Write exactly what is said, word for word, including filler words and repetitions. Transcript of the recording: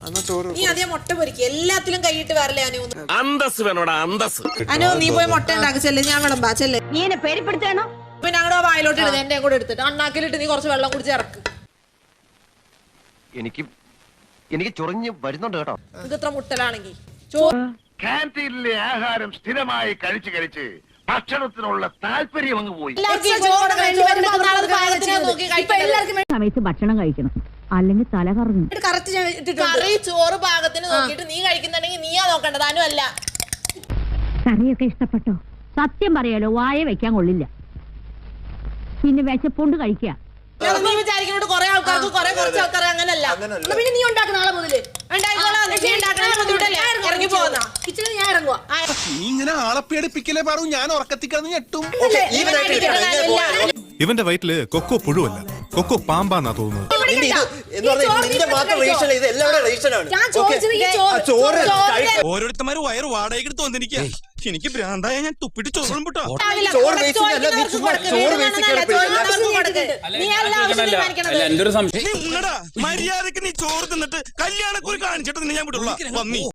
നീ അതേ മുട്ട പൊരിക്കുക എല്ലാത്തിലും കൈയിട്ട് വരല്ലേ അനു അന്തസ് വേണോടാ അന്തസ് അനു നീ പോയി മുട്ട ഉണ്ടാക്കിച്ചല്ലേ ഞാൻ വിളമ്പാ ചെല്ലേ നീ എന്നെ പേടിപ്പെടുത്തണോ പിന്നെ ഞങ്ങളുടെ വായിലോട്ട് ഇടുന്നത് എന്റെ കൂടെ എടുത്തിട്ട് അണ്ണാക്കിലിട്ട് നീ കുറച്ച് വെള്ളം കുടിച്ച് ഇറക്ക് എനിക്ക് എനിക്ക് ചൊറിഞ്ഞ് വരുന്നുണ്ട് കേട്ടോ ഇത് ഇത്ര മുട്ടലാണെങ്കിൽ ചോറ് കാന്റീനിലെ ആഹാരം സ്ഥിരമായി കഴിച്ച് കഴിച്ച് ഭക്ഷണത്തിനുള്ള താല്പര്യം അങ്ങ് പോയി. സമയത്ത് ഭക്ഷണം കഴിക്കണം അല്ലെങ്കിൽ തല കറങ്ങും കറി ചോറ് പാകത്തിന് നോക്കിയിട്ട് നീ കഴിക്കുന്നുണ്ടെങ്കിൽ നീയാ നോക്കേണ്ടത് അനു അല്ല. കറിയൊക്കെ ഇഷ്ടപ്പെട്ടോ? സത്യം പറയാലോ, വായ വെക്കാൻ കൊള്ളില്ല. പിന്നെ വിശപ്പോണ്ട് കഴിക്കുക. നീ വിചാരിക്കുന്നോട് കുറെ ആൾക്കാർക്ക് കുറെ കുറച്ച് ആൾക്കാർ അങ്ങനല്ല. പിന്നെ നീ ഉണ്ടാക്കുന്ന ആളെ മുതല് ഇറങ്ങി പോകുന്ന കിച്ചണിൽ ഞാൻ ഇറങ്ങുക. ഇങ്ങനെ ആളെ പേടിപ്പിക്കലേ പറയൂ, ഞാൻ ഉറക്കത്തിക്കാന്ന് ഞെട്ടും. ഇവന്റെ വയറ്റില് കൊക്കോ പുഴുവല്ല, കൊക്കോ പാമ്പാന്നാ തോന്നുന്നത്. ഓരോരുത്തന്മാര് വയറ് വാടകയ്ക്ക് വന്നിരിക്കുക. എനിക്ക് ഭ്രാന്തായ ഞാൻ തുപ്പിട്ട് ചോറും പൊട്ടോ. മര്യാദക്ക് നീ ചോറ് തിന്നിട്ട് കല്യാണക്കുറി കാണിച്ചിട്ട് ഞാൻ വിടുള്ള.